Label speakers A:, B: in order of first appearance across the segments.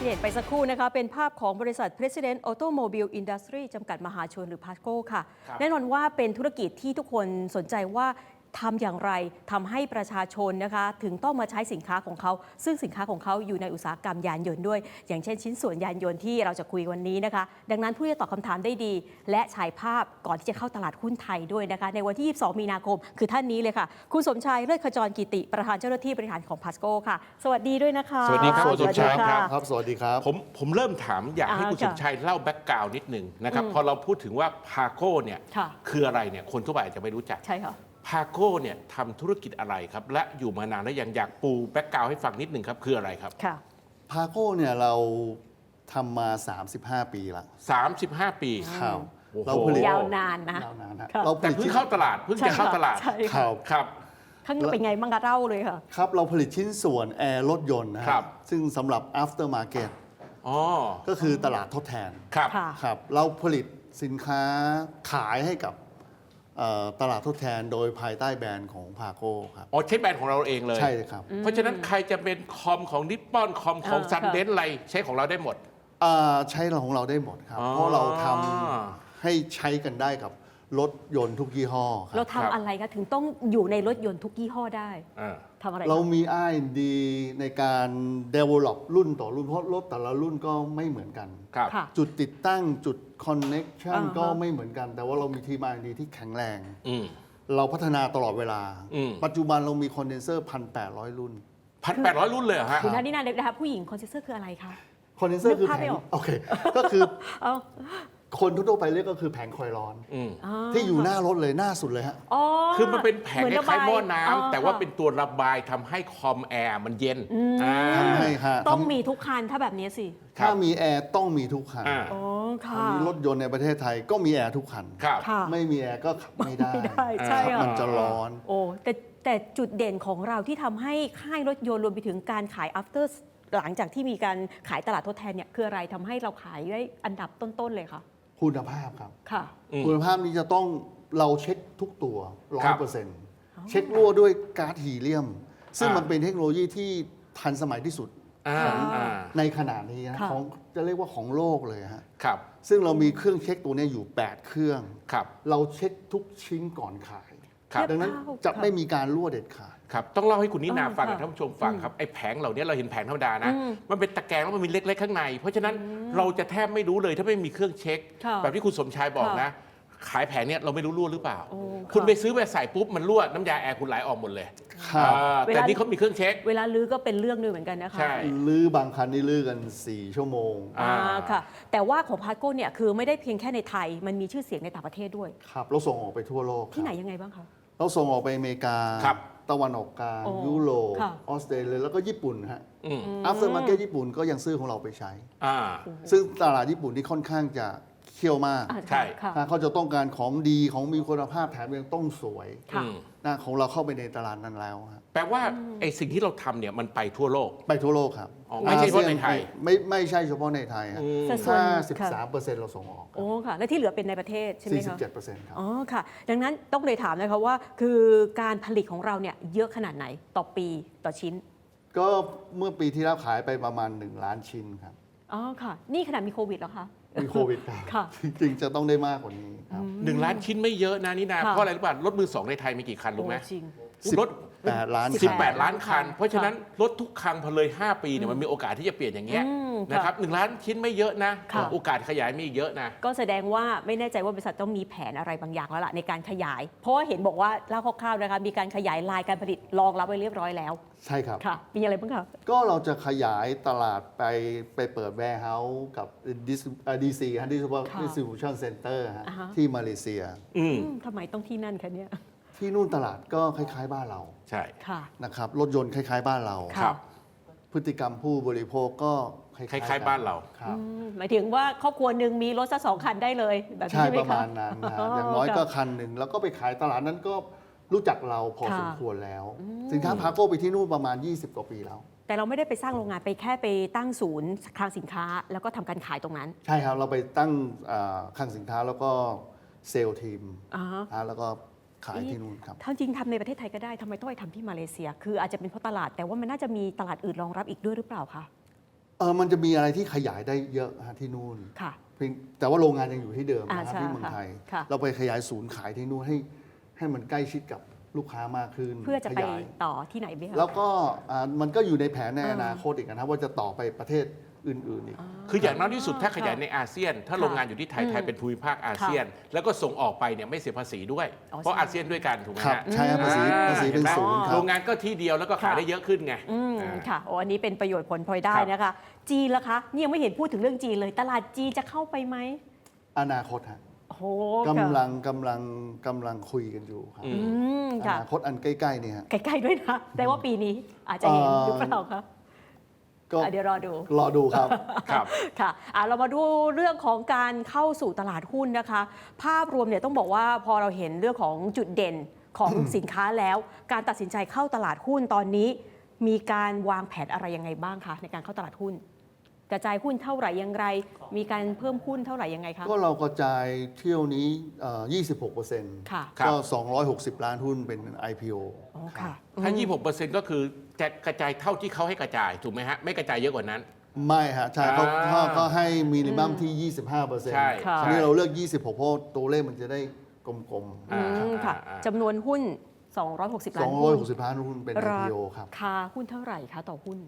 A: ที่เห็นไปสักครู่นะคะเป็นภาพของบริษัท President Automobile Industry จำกัดมหาชนหรือ PASCO ค่ะแน่นอนว่าเป็นธุรกิจที่ทุกคนสนใจว่าทำอย่างไรทำให้ประชาชนนะคะถึงต้องมาใช้สินค้าของเขาซึ่งสินค้าของเขาอยู่ในอุตสาหกรรมยานยนต์ด้วยอย่างเช่นชิ้นส่วนยานยนต์ที่เราจะคุยวันนี้นะคะดังนั้นผู้ที่ตอบคำถามได้ดีและฉายภาพก่อนที่จะเข้าตลาดหุ้นไทยด้วยนะคะในวันที่ 22 มีนาคมคือท่านนี้เลยค่ะคุณสมชายเลิศขจรกิติประธานเจ้าหน้าที่บริหารของ PASCO ค่ะสวัสดีด้วยนะคะ
B: สวัสดีครับคุณสมชาย
C: ครับ สวัสดีครับ
B: ผมเริ่มถามอยากให้คุณสมชายเล่าแบ็กกราวน์นิดนึงนะครับพอเราพูดถึงว่าพาโก้เนี่ยคืออะไรเนี่ยคนทั่วไปอาจจะไม่รู้จัก
A: ใช่ค่ะ
B: พาโก้เนี่ยทำธุรกิจอะไรครับและอยู่มานานแล้วยังอยากปูแบ็กกราวน์ให้ฟังนิดนึงครับคืออะไรครับ
A: ค่ะ
C: พาโก้เนี่ยเราทำมา 35 ปีละ
B: 35 ปี
C: ครับ
A: เราผลิตยาวนานนะ
C: ยาวนานนะ
B: เราแต่เพิ่งเข้าตลาดเพิ่งจะเข้าตลาด
C: ครับ
A: ข้างเป็นไงบ้างคะเล่าเลยค่ะ
C: ครับเราผลิตชิ้นส่วนแอร์รถยนต์นะครับซึ่งสำหรับ after market ก็คือตลาดทดแทนครับเราผลิตสินค้าขายให้กับตลาดทดแทนโดยภายใต้แบรนด์ของพาโก้ครับ
B: ใช้แบรนด์ของเราเองเลย
C: ใช่ครับ
B: เพราะฉะนั้นใครจะเป็นคอมของนิปปอนคอมของซันเดนอะไรใช้ของเราได้หมด
C: ใช้ของเราได้หมดครับเพราะเราทำให้ใช้กันได้กับรถยนต์ทุกยี่ห้อ
A: เราทำอะไรคะถึงต้องอยู่ในรถยนต์ทุกยี่ห้อได้ทำอะไร
C: เรามี R&D ในการ develop รุ่นต่อรุ่นเพราะรถแต่ละรุ่นก็ไม่เหมือนกันจุดติดตั้งจุด connection ก็ไม่เหมือนกันแต่ว่าเรามีทีม R&D ที่แข็งแรงเราพัฒนาตลอดเวลาปัจจุบันเรามีคอนเดนเซอร์ 1,800 รุ่น
B: 1,800 รุ่นเลยเหรอฮะ
A: คุณท่านนี่นาเด็กนะคะผู้หญิงคอนเดนเซอร์คืออะไรคะ
C: คอนเดนเซอร์คือแผงโอเคก็คือคนทั่วไปเรียกก็คือแผงคอยร้อนที่อยู่หน้ารถเลยหน้าสุดเลยฮะ
B: คือมันเป็นแผงคล้ายๆหม้อน้ำแต่ว่าเป็นตัวระบายทำให้คอมแอร์มันเย็น
A: ต้องมีทุกคันถ้าแบบนี้สิ
C: ถ้ามีแอร์ต้องมีทุกคันมีรถยนต์ในประเทศไทยก็มีแอร์ทุกคันไม่มีแอร์ก็ขับไม่ได้
A: ใช่
C: มันจะร้อน
A: แต่จุดเด่นของเราที่ทำให้ค่ายรถยนต์รวมไปถึงการขาย after หลังจากที่มีการขายตลาดทดแทนเนี่ยคืออะไรทำให้เราขายได้อันดับต้นๆเลยคะ
C: คุณภาพครับคุณภาพนี้จะต้องเราเช็คทุกตัว 100%เช็ครั่วด้วยก๊าซฮีเลียมซึ่งมันเป็นเทคโนโลยีที่ทันสมัยที่สุดในขณะนี้นะของจะเรียกว่าของโลกเลยฮะซึ่งเรามีเครื่องเช็คตัวนี้อยู่8เครื่องเราเช็คทุกชิ้นก่อนขายดังนั้นจะไม่มีการรั่วเด็ดขาด
B: ครับต้องเล่าให้คุณนินาฟังท่านผู้ชมฟังครับไอ้แผงเหล่านี้เราเห็นแผงธรรมดานะมันเป็นตะแกรงแล้วมันมีเล็กๆข้างในเพราะฉะนั้นเราจะแทบไม่รู้เลยถ้าไม่มีเครื่องเช็คแบบที่คุณสมชายบอกนะขายแผงเนี้ยเราไม่รู้รั่วหรือเปล่าคุณไปซื้อไปใส่ปุ๊บมันรั่วน้ำยาแอร์คุณไหลออกหมดเลยแต่นี่เขามีเครื่องเช็ค
A: เวลาลื้อก็เป็นเรื่องนึงเหมือนกันนะคะ
C: ลื้อบางคันนี่ลื้อกัน4 ชั่วโมง
A: ค่ะแต่ว่าของพาโก้เนี่ยคือไม่ได้เพียงแค่ในไทยมันมีชื่อเสียงในต่างประเทศด้วย
C: ครับเราส่งออกไปทั่วโลก
A: ที่ไหนยังไงบ้างคะ
C: เราส่งออกไปอเมริกาตะวันออกกลางยุโรปออสเตรเลียแล้วก็ญี่ปุ่นฮะafter market ญี่ปุ่นก็ยังซื้อของเราไปใช้ซึ่งตลาดญี่ปุ่นนี่ค่อนข้างจะเขี้ยวมาก
B: ใช่
C: เขาจะต้องการของดีของมีคุณภาพแถมยังต้องสวยนะของเราเข้าไปในตลาดนั้นแล้ว
B: แปลว่าไอ้สิ่งที่เราทำเนี่ยมันไปทั่วโลก
C: ไปทั่วโลกครับ
B: ไม่ใช่เฉพาะในไทย
C: ไม่ใช่เฉพาะในไทย53%เราส่งออก
A: โอ้ค่ะและที่เหลือเป็นในประเทศใช่ไหมคะ
C: 47%ครับ
A: อ๋อค่ะดังนั้นต้องเลยถามนะคะว่าคือการผลิตของเราเนี่ยเยอะขนาดไหนต่อปีต่อชิ้น
C: ก็เมื่อปีที่แล้วขายไปประมาณ1 ล้านชิ้นครับ
A: อ๋อค่ะนี่ขนาดมีโควิดแล้วคะ
C: มีโควิดครับจริงๆจะต้องได้มากกว่านี้ครับ
B: 1 ล้านชิ้นไม่เยอะนะนี่นาเพราะอะไรรู้ป่ะรถมือ2ในไทยมีกี่คันรู้ไหมรถ
C: 18 ล้
B: านคันเพราะฉะนั้นรถทุกคันพอเลย5 ปีเนี่ยมันมีโอกาสที่จะเปลี่ยนอย่างเงี้ยนะครับ1 ล้านชิ้นไม่เยอะนะโอกาสขยายมีเยอะนะ
A: ก็แสดงว่าไม่แน่ใจว่าบริษัทต้องมีแผนอะไรบางอย่างแล้วล่ะในการขยายเพราะว่าเห็นบอกว่าเล่าคร่าวๆนะคะมีการขยายลายการผลิตรองรับไว้เรียบร้อยแล้ว
C: ใช่ครับ
A: ค่ะมีอะไรบ้างคะ
C: ก็เราจะขยายตลาดไปเปิด warehouse กับ DC Distribution Center ที่มาเลเซีย
A: ทำไมต้องที่นั่นคะเนี่ย
C: ที่นู่นตลาดก็คล้ายๆบ้านเรา
B: ใช่
C: นะครับรถยนต์คล้ายๆบ้านเราพฤติกรรมผู้บริโภคก็คล้าย
B: ๆบ้านเรา
A: หมายถึงว่าครอบครัวหนึ่งมีรถสัก2 คันได้เลยแบบนี้ใช่ไหมคะ
C: ประมาณนั้นอย่างน้อยก็คันหนึ่งแล้วก็ไปขายตลาดนั้นก็รู้จักเราพอสมควรแล้วสินค้าพาโก้ไปที่นู่นประมาณ20 กว่าปีแล้ว
A: แต่เราไม่ได้ไปสร้างโรงงานไปแค่ไปตั้งศูนย์คลังสินค้าแล้วก็ทำการขายตรงนั้น
C: ใช่ครับเราไปตั้งคลังสินค้าแล้วก็เซลล์ทีมแล้วก็ขายที่นู่นครับ
A: จริงทำในประเทศไทยก็ได้ทำไมต้องไปทำที่มาเลเซียคืออาจจะเป็นเพราะตลาดแต่ว่ามันน่าจะมีตลาดอื่นรองรับอีกด้วยหรือเปล่าคะ
C: มันจะมีอะไรที่ขยายได้เยอะฮะที่นู่น
A: ค่ะ
C: แต่ว่าโรงงานยังอยู่ที่เดิมนะครับ
A: ใช่
C: ที่เมืองไทย
A: ค่ะ
C: เราไปขยายศูนย์ขายที่นู่นให้มันใกล้ชิดกับลูกค้ามากขึ้น
A: เพื่อจะไป
C: ขยาย
A: ต่อที่ไหนไหมคะ
C: แล้วก็มันก็อยู่ในแผนในอนาคตอีกนะครับว่าจะต่อไปประเทศอื่นๆอีก
B: คืออย่างน้อยที่สุดถ้าขยาย
A: ค่ะ
B: ในอาเซียน ถ้าโรงงานอยู่ที่ไทย ไทยเป็นภูมิภาคอาเซียน แล้วก็ส่งออกไปเนี่ยไม่เสียภาษีด้วย
A: อ๋อ
B: เพราะ
A: ใช่
B: อาเซียนด้วยกันถูกไหม
C: ครับ
B: ฮะ
C: ใช่ครับภาษีเป็น
B: ห็ไหม
C: ศูนย์ครั
B: โร
C: บ
B: งงานก็ที่เดียวแล้วก็ขายได้เยอะขึ้นไง
A: ค่ะโอ้อันนี้เป็นประโยชน์ผลพลอยได้
B: ครับ
A: นะคะ จีนล่ะคะนี่ยังไม่เห็นพูดถึงเรื่องจีนเลย ตลาดจีนจะเข้าไปไหม
C: อนาคตฮะ
A: โอ้โห
C: กำ
A: ค่ะ
C: ลังคุยกันอยู่ครับ
A: อืม
C: อ
A: ค่ะ
C: นาคตอันใกล้ๆเนี่ยฮะ
A: ใกล้ๆด้วยนะ แต่ว่าปีนี้อาจจะเห็นหรือเปล่าคะ
C: ก็
A: เดี๋ยวรอดู
C: รอดูครับ
B: ครับ
A: ค่ะเรามาดูเรื่องของการเข้าสู่ตลาดหุ้นนะคะ ภาพรวมเนี่ยต้องบอกว่าพอเราเห็นเรื่องของจุดเด่นของสินค้าแล้ว การตัดสินใจเข้าตลาดหุ้นตอนนี้ มีการวางแผนอะไรยังไงบ้างคะในการเข้าตลาดหุ้น กระจายหุ้นเท่าไหร่อย่างไร มีการเพิ่มหุ้นเท่าไหร่ยังไงคะ
C: ก็เรากระจายเที่ยวนี้ 26%
A: ค่ะ
B: ครับ
C: ก็ 260 ล้านหุ้นเป็น IPO
A: อ๋อค่ะ
B: ถ้า 26%ก็คือจะกระจายเท่าที่เขาให้กระจายถูกไหมฮะไม่กระจายเยอะกว่านั้น
C: ไม่ฮะใช่เขา
B: อ่า
C: ก็ให้มินิมัมที่ 25%
B: ใช่
A: ค่ะ
C: อันนี้เราเลือก 26 เพราะตัวเลขมันจะได้กลม
A: อืมค่ะ
B: อ่า
A: จำนวนหุ้น 260 ล้านหุ้น
C: 260 ล้านหุ้นเป็น
A: รา
C: IPO ครับ
A: คาหุ้นเท่าไหร่คะต่อหุ้น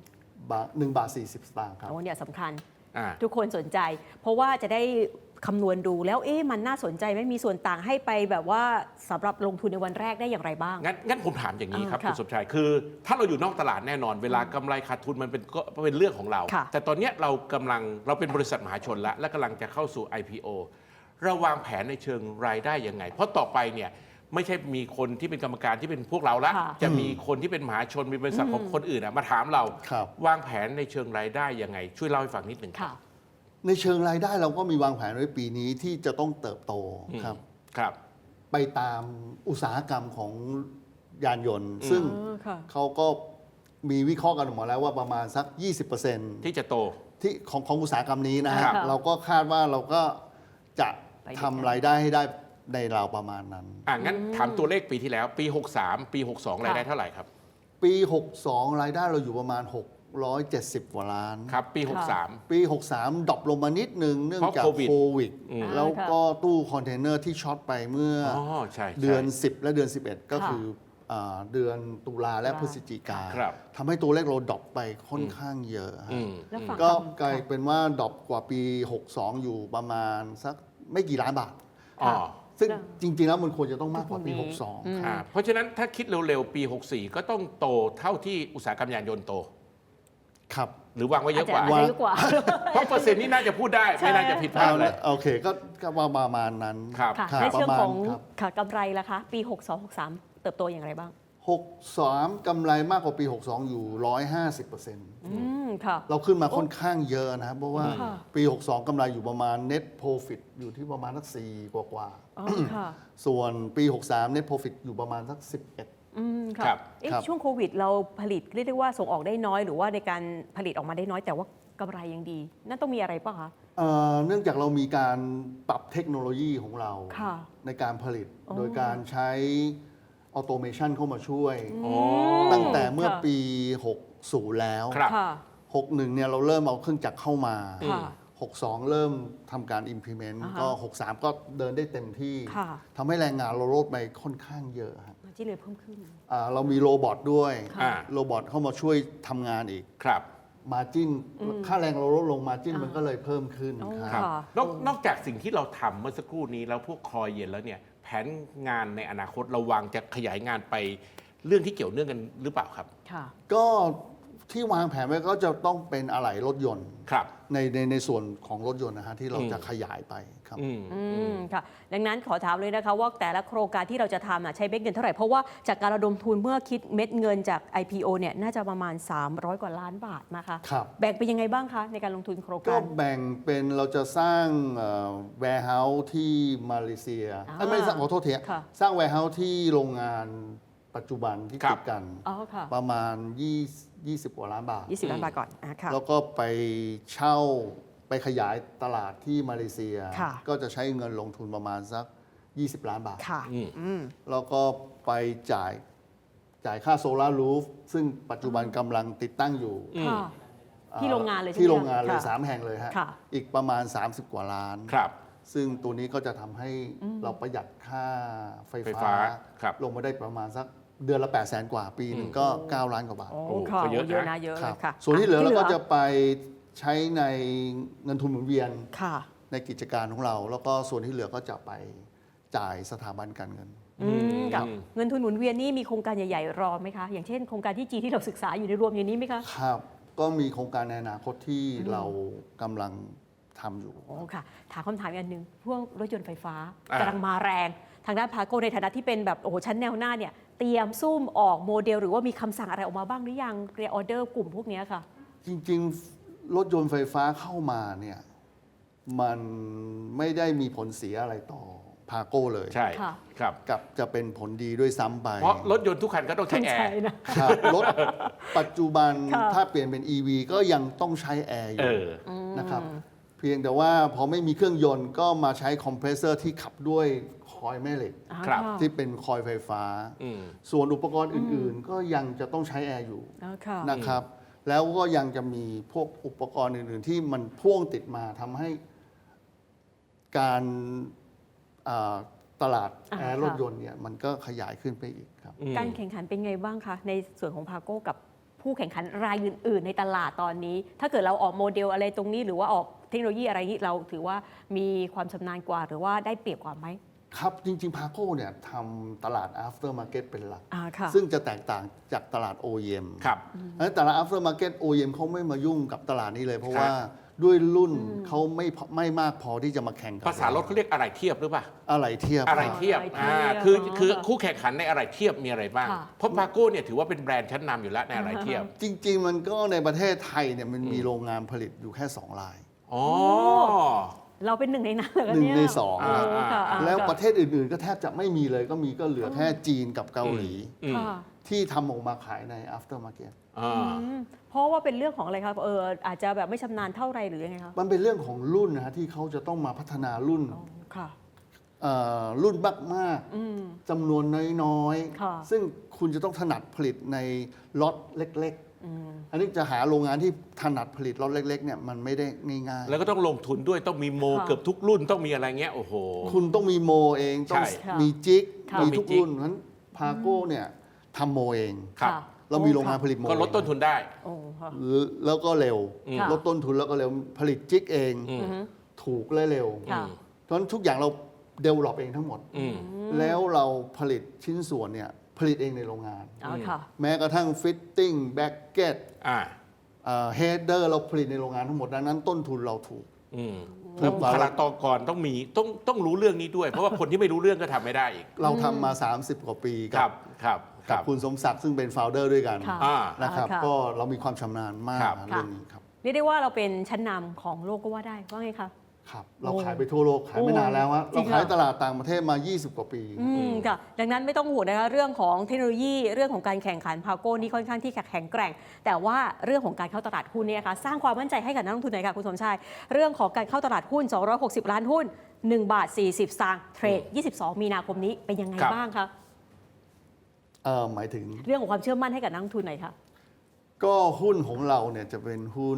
C: 1 บาท 40 สตางค์ครับ
A: โอ้เนี่ยสำคัญ
B: อ่า
A: ทุกคนสนใจ เพราะว่าจะได้คำนวณดูแล้วมันน่าสนใจไหม่มีส่วนต่างให้ไปแบบว่าสำหรับลงทุนในวันแรกได้อย่างไรบ้าง
B: งั้นผมถามอย่างนี้ครับ
A: ค่ะ
B: คุณสมชายคือถ้าเราอยู่นอกตลาดแน่นอน เวลากำไรขาดทุนมันเป็นก็เป็นเรื่องของเรา
A: ค่ะ
B: แต่ตอนเนี้ยเราเป็นบริษัทมหาชนแล้วและกำลังจะเข้าสู่ IPO เราวางแผนในเชิงรายได้ยังไง เพราะต่อไปเนี่ยไม่ใช่มีคนที่เป็นกรรมการที่เป็นพวกเราละ
A: ค่ะ
B: จะมีคนที่เป็นมหาชนมีบริษัทของคนอื่นมาถามเรา
C: ครับ
B: วางแผนในเชิงรายได้ยังไง ช่วยเล่าให้ฟังนิดหนึ่ง
A: ค่ะ
C: ในเชิงรายได้เราก็มีวางแผนไว้ปีนี้ที่จะต้องเติบโตครับ
B: ครับ
C: ไปตามอุตสาหกรรมของยานยนต์ ซึ่ง
A: ค่ะ
C: เขาก็มีวิเคราะห์กันออกมาแล้วว่าประมาณสัก 20%
B: ที่จะโต
C: ที่ของอุตสาหกรรมนี้นะ
B: ครั
C: ฮะ
B: บ
C: เราก็คาดว่าเราก็จะ
A: ไปด้วยกัน
C: ทำรายได้ให้ได้ในราวประมาณนั้น
B: งั้นถามตัวเลขปีที่แล้ว ปี 63 ปี 62 รายได้เท่าไหร่ครับ
C: ปี 62 รายได้เราอยู่ประมาณ 670 กว่าล้าน
B: ครับ ปี
A: ค่ะ
B: 63
C: ปี 63ดรอปลงมานิดนึงเนื่องจาก
B: เพราะโควิด
C: โควิด
B: อืม
C: แล้วก็ตู้คอนเทนเนอร์ที่ช็อตไปเมื่อ
B: อ๋อใช่
C: เดือน
B: ใช่
C: 10 และเดือน 11 ก็คือเดือนตุลาและพฤศจิกา
B: ครับ
C: ทำให้ตัวเลขเราดรอปไปค่อนข้างเยอะฮะ
B: อืม
A: แล้วฝั่ง
C: ก็
A: ทำ
C: กลายเป็นว่าดรอปกว่าปี 62 อยู่ประมาณสักไม่กี่ล้านบาท
B: อ๋อ
C: ซึ่งจริง ๆ แล้วมันควรจะต้องมากกว่าปี
A: อืม
C: 62
B: เพราะฉะนั้นถ้าคิดเร็วๆ ปี 64 ก็ต้องโตเท่าที่อุตสาหกรรมยานยนต์โต
C: ครับ
B: หรือวางไว้เยอะกว่า
A: อาจจะเยอะกว่า
B: เพราะเปอร์เซ็นต์นี้น่าจะพูดได้ ไม่น่าจะผิดพลาดเลย
C: โอเคก็ประมาณนั้น
B: ครับ
A: ค่ะ
C: ครับ
A: ในเชิงของ
C: ประมาณครับ
A: ค่ะกำไรล่ะคะ ปี 62-63 เติบโตอย่างไรบ้าง
C: 63กำไรมากกว่าปี 62 อยู่ 150%
A: ค่ะ
C: เราขึ้นมาค่อนข้างเยอะนะครับ เพราะว่า
A: ค่ะ
C: ปี 62กำไรอยู่ประมาณ net profit อยู่ที่ประมาณสัก4กว่า
A: อ๋อค่ะ
C: ๆส่วนปี 63 net profit อยู่ประมาณสัก11
B: ครั
A: ค่ะ
B: บ
C: ครับ
A: ช่วงโควิดเราผลิตเรียกได้ว่าส่งออกได้น้อย หรือว่าในการผลิตออกมาได้น้อย แต่ว่ากำไรยังดี นั่นต้องมีอะไรป่ะคะ
C: เนื่องจากเรามีการปรับเทคโนโลยีของเรา
A: ค่ะ
C: ในการผลิต
A: อ๋อ
C: โดยการใช้ออโตเมชันเข้ามาช่วย
B: โอ้
C: ตั้งแต่เมื่อ
A: ค่ะ
C: ปี 60 แล้ว
B: ครับ
A: ค่ะ
C: 61เนี่ยเราเริ่มเอาเครื่องจักรเข้ามา
A: ค่ะ
C: 62 เริ่มทำการ implement
A: อ่าฮะ
C: ก็ 63 ก็เดินได้เต็มที่
A: ค่ะ
C: ทำให้แรงงานเราลดไปค่อนข้างเยอะฮะ
A: มาที่เลยเพิ่มขึ้น
C: เรามีโรบอทด้วย
A: ค่ะ
C: โรบอทเข้ามาช่วยทำงานอีก
B: ครับ
C: มาจิ้นค่าแรงเราลดลงมาจิ้นมันก็เลยเพิ่มขึ้น
A: อ๋อ
C: ค
B: ค
C: รั
B: รับ บนอกจากสิ่งที่เราทำเมื่อสักครู่นี้แล้วพวกคอยเย็นแล้วเนี่ย แผนงานในอนาคตเราวางจะขยายงานไปเรื่องที่เกี่ยวเนื่องกันหรือเปล่าครับ
A: ค่ะ
C: ก็ที่วางแผนไว้ก็จะต้องเป็นอะไหล่รถยนต์
B: ครับ
C: ในส่วนของรถยนต์นะฮะที่เราจะขยายไปครับ
A: ค่ะ ดังนั้นขอถามเลยนะคะว่าแต่ละโครงการที่เราจะทำใช้เม็ดเงินเท่าไหร่ เพราะว่าจากการระดมทุนเมื่อคิดเม็ดเงินจาก IPO เนี่ยน่าจะประมาณ 300 กว่าล้านบาทนะคะ
C: ครับ
A: แบ่งเป็นยังไงบ้างคะในการลงทุนโครง
C: ก็
A: การ
C: แบ่งเป็นเราจะสร้างwarehouse ที่มาเลเซียไม่สร้างขอโทษที
A: ค่ะ
C: สร้าง warehouse ที่โรงงานปัจจุบันที่
B: ครับ
C: ติดกัน
A: อ๋อค่ะ
C: ประมาณ 20 กว่าล้านบาท
A: 20 ล้านบาทก่อนค่ะ
C: แล้วก็ไปเช่าไปขยายตลาดที่มาเลเซีย
A: ค่ะ
C: ก็จะใช้เงินลงทุนประมาณสัก 20 ล้านบาท
A: ค่ะ
C: แล้วก็ไปจ่ายค่าโซลารูฟซึ่งปัจจุบันกำลังติดตั้งอยู่
A: ค่ะที่โรงงานเลยใช่ไหม
C: ที่โรงงานเลย
A: ค่ะ
C: 3 แห่งเลยฮะ
A: ค่ะ
C: อีกประมาณ 30 กว่าล้าน
B: ครับ
C: ซึ่งตัวนี้ก็จะทำให้เราประหยัดค่าไฟ
B: ไฟฟ้าครับ
C: ลงมาได้ประมาณสักเดือนละ 800,000 กว่าปีหนึ่งก็ 9 ล้านกว่าบาท
A: โอ้
B: โอ้
A: ค่ะ
B: ก็เยอะนะ
A: เยอะนะเยอะ
C: ค
A: เล
C: รั
A: ย
C: บ
A: ค่ะ
C: ส่วนที่เหลือเราก็จะ
A: ที่
C: ไปใช้ในเงินทุนหมุนเวียน
A: ค่ะ
C: ในกิจการของเรา แล้วก็ส่วนที่เหลือก็จะไปจ่ายสถาบันการเงิน
A: กับเงินทุนหมุนเวียนนี่มีโครงการใหญ่ๆรอไหมคะ อย่างเช่นโครงการที่จีนที่เราศึกษาอยู่ในรวมอย่างนี้ไหมคะ
C: ครับ ก็มีโครงการในอนาคตที่เรากำลังทำอยู่
A: โอ้ค่ะ ถามคำถามอีกอันหนึ่งพวกรถยนต์ไฟฟ้า
B: อ่าก
A: ำลังมาแรง ทางด้านพาโกในฐานะที่เป็นแบบโอ้โหชั้นแนวหน้าเนี่ยเตรียมซุ่มออกโมเดล หรือว่ามีคำสั่งอะไรออกมาบ้างหรือยังเรียออเดอร์กลุ่มพวกเนี้ยค่ะ
C: จริงๆ รถยนต์ไฟฟ้าเข้ามาเนี่ยมันไม่ได้มีผลเสียอะไรต่อพาโก้เลย
B: ใช่
A: ค่ะ
B: ครับ
C: กับจะเป็นผลดีด้วยซ้ำไป
B: เพราะรถยนต์ทุกคันก็ต้องใช้แอร์
C: ครับรถปัจจุบัน
A: ค่ะ
C: ถ้าเปลี่ยนเป็น EV ก็ยังต้องใช้แอร์อ
B: เอยู่ อ
C: นะครับ เพียงแต่ว่าพอไม่มีเครื่องยนต์ก็มาใช้คอมเพรสเซอร์ที่ขับด้วยคอยล์แม่เหล็ก
B: ครับ
C: ที่เป็นคอยล์ไฟฟ้า
B: อืม
C: ส่วนอุปกรณ์อื่นๆ ก็ยังจะต้องใช้แอร์อยู่
A: ค่ะ
C: นะครับ แล้วก็ยังจะมีพวกอุปกรณ์อื่นๆ ที่มันพ่วงติดมาทำให้การตลาด
A: อ่า
C: แอร์
A: ค่ะ
C: รถยนต์เนี่ยมันก็ขยายขึ้นไปอีกครับ
A: การแข่งขันเป็นไงบ้างคะ ในส่วนของพาโก้กับผู้แข่งขันรายอื่น ๆ ในตลาดตอนนี้ ถ้าเกิดเราออกโมเดลอะไรตรงนี้ หรือว่าออกเทคโนโลยีอะไรนี้เราถือว่ามีความชำนาญกว่า หรือว่าได้เปรียบกว่าไหม
C: ครับ จริงๆ พาโก้เนี่ยทำตลาด after market เป็นหลัก
A: ค่ะ
C: ซึ่งจะแตกต่างจากตลาด OEM
B: ครับ
C: เพราะฉะนั้นตลาด after market OEM เขาไม่มายุ่งกับตลาดนี้เลย เพราะ
B: ครับ
C: ว่าด้วยรุ่นเขาไม่มากพอที่จะมาแข่งกับ
B: ภาษารถเขาเรียกอะไรเทียบหรือเปล่า
C: อะไรเทียบ
B: อะไรเทียบ
A: อะไรเทียบ
B: คือคู่แข่งขันในอะไรเทียบมีอะไรบ้าง
A: ค่ะ
B: เพราะพาโก้เนี่ยถือว่าเป็นแบรนด์ชั้นนำอยู่แล้วในอะไรเทียบ
C: จริง ๆ มันก็ในประเทศไทยเนี่ยมันมีโรงงานผลิตอยู่แค่ 2 ราย
B: อ๋อ
A: เราเป็นหนึ่งในนั้นเหรอคะ
C: หนึ่ง
A: เนี่ย
C: ในสอง
B: อ่า
A: โค่ะ
C: แล้วประเทศอื่นๆ ก็แทบจะไม่มีเลยก็มีก็เหลือแค่จีนกับเกาหลี
B: อืม
A: ค่ะ
C: ที่ทำออกมาขายใน after market
B: อ่า
A: เพราะว่าเป็นเรื่องของอะไรครับอาจจะแบบไม่ชำนาญเท่าไรหรือยังไงครับ
C: มันเป็นเรื่องของรุ่นนะฮะที่เขาจะต้องมาพัฒนารุ่น
A: ค่ะ
C: รุ่นมากๆจำนวนน้อย
A: ค่ะ
C: ๆ ซึ่งคุณจะต้องถนัดผลิตในล็อตเล็กๆ อันนี้จะหาโรงงานที่ถนัดผลิตล็อตเล็กๆเนี่ยมันไม่ได้ง่ายๆ
B: แล้วก็ต้องลงทุนด้วยต้องมีโม
A: ค่ะ
B: เกือบทุกรุ่นต้องมีอะไรเงี้ยโอ้โห
C: คุณต้องมีโมเองต้อง
B: ใช่
C: มีจิก
A: ค่ะ
C: มีทุก
B: มีจิ๊ก
C: รุ่นเพราะฉะนั้นพาโก้เนี่ยทำโมเอง
B: ครับ
A: ค่ะ
C: เรามีโรงงานผลิตโม
B: ก็ลดต้นทุนได้
A: โอ้ค่ะ
C: แล้วก็เร็ว
A: ค่ะ
C: ลดต้นทุนแล้วก็เร็วผลิตจิกเอง ถูกและเร็ว
A: ค่ะ
C: เพราะฉะนั้นทุกอย่างเราเดเวลลอปเองทั้งหมด
B: อืม
C: แล้วเราผลิตชิ้นส่วนเนี่ยผลิตเองในโรงงาน
A: ค่ะ
C: แม้กระทั่งฟิตติ้งแบ็กเก็ต
B: อ่า
C: เฮดเดอร์เราผลิตในโรงงานทั้งหมดดังนั้นต้นทุนเราถูก
B: อืมแล้วบุคลากรต้องมีต้องรู้เรื่องนี้ด้วย เพราะว่าคนที่ไม่รู้เรื่องก็ทำไม่ได้อีก
C: เราทำมา 30 กว่าปี
B: ครับครับค
C: กั
B: รั
C: บบ คุณสมศักดิ์ซึ่งเป็นโฟลเดอร์ด้วยกัน
A: ค่ะ
B: อ่า
C: นะครับ
A: ค่ะ
C: ก็เรามีความชำนาญมาก
B: ครับ
C: เรื่องนี้ครับ
A: เรียกได้ว่าเราเป็นชั้นนำของโลกก็ว่าได้ว่าไงคะ
C: ครับเราขายไปทั่วโลกขายไม่นานแล้วฮะ
A: จริ
C: เรา
A: งเหรอ
C: ขายตลาดต่างประเทศมา 20 กว่าปี
A: ค่ะ ดังนั้นไม่ต้องห่วงนะคะเรื่องของเทคโนโลยีเรื่องของการแข่งขันพาโก้นี่ค่อนข้างที่แข็งแกร่ง แต่ว่าเรื่องของการเข้าตลาดหุ้นเนี่ยค่ะสร้างความมั่นใจให้กับนักลงทุนหน่อยค่ะคุณสมชายเรื่องของการเข้าตลาดหุ้น 260 ล้านหุ้น1 บาท 40 สตางค์เทรด 22 มีนาคมนี้เป็นยังไง
B: ครับ
A: บ้างคะ
C: หมายถึง
A: เรื่องของความเชื่อมั่นให้กับนักลงทุนหน่อยค่ะ
C: ก็หุ้นของเราเนี่ยจะเป็นหุ้น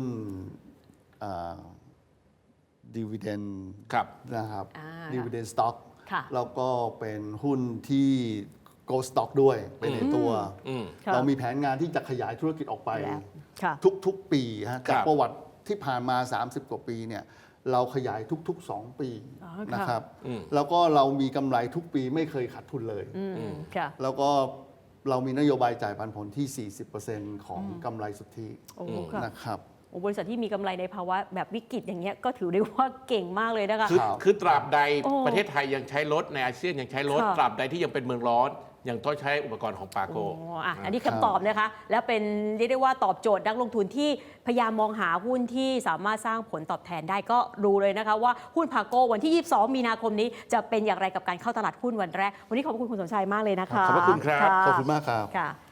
C: ดีเวเดน
B: ครับ
C: นะครับ
A: อ่า
C: ดีเวเดนสต็อก
A: ค่ะ
C: แล้วก็เป็นหุ้นที่ Go Stock ด้วยเป็นในตัว
B: อืม
A: ค่ะ
C: เรามีแผนงานที่จะขยายธุรกิจออกไป
A: แล้วค่ะ
C: ทุกๆ ปีฮะ
B: ครั
C: จาก
B: บ
C: ประวัติที่ผ่านมา 30 กว่าปีเนี่ยเราขยายทุก ๆ 2 ปี
A: อ๋อค่ะ
C: นะครับ
B: อืม
C: แล้วก็เรามีกำไรทุกปีไม่เคยขาดทุนเลย
A: ค่ะ
C: แล้วก็เรามีนโยบายจ่ายปันผลที่ 40%ของกำไรสุทธิ
A: โอ้ค่ะ
C: นะครับ
A: โอ้บริษัทที่มีกำไรในภาวะแบบวิกฤตอย่างเงี้ยก็ถือได้ว่าเก่งมากเลยนะคะ
B: คือ
C: ครับ
B: คือตราบใด
A: โอ้
B: ประเทศไทยยังใช้รถในอาเซียนยังใช้รถ
A: ค่ะ
B: ตราบใดที่ยังเป็นเมืองร้อนยังต้องใช้อุปกรณ์ของปาโก
A: อันนี้คำตอบนะคะ และเป็นเรียกได้ว่าตอบโจทย์นักลงทุนที่พยายามมองหาหุ้นที่สามารถสร้างผลตอบแทนได้ก็ดูเลยนะคะว่าหุ้นพาโกวันที่ 22 มีนาคมนี้จะเป็นอย่างไรกับการเข้าตลาดหุ้นวันแรก วันนี้ขอบคุณคุณสมชายมากเลยนะคะ
B: ขอบพระคุณครับ
A: ะ
C: ขอบคุณมากครับ
A: ค่ะ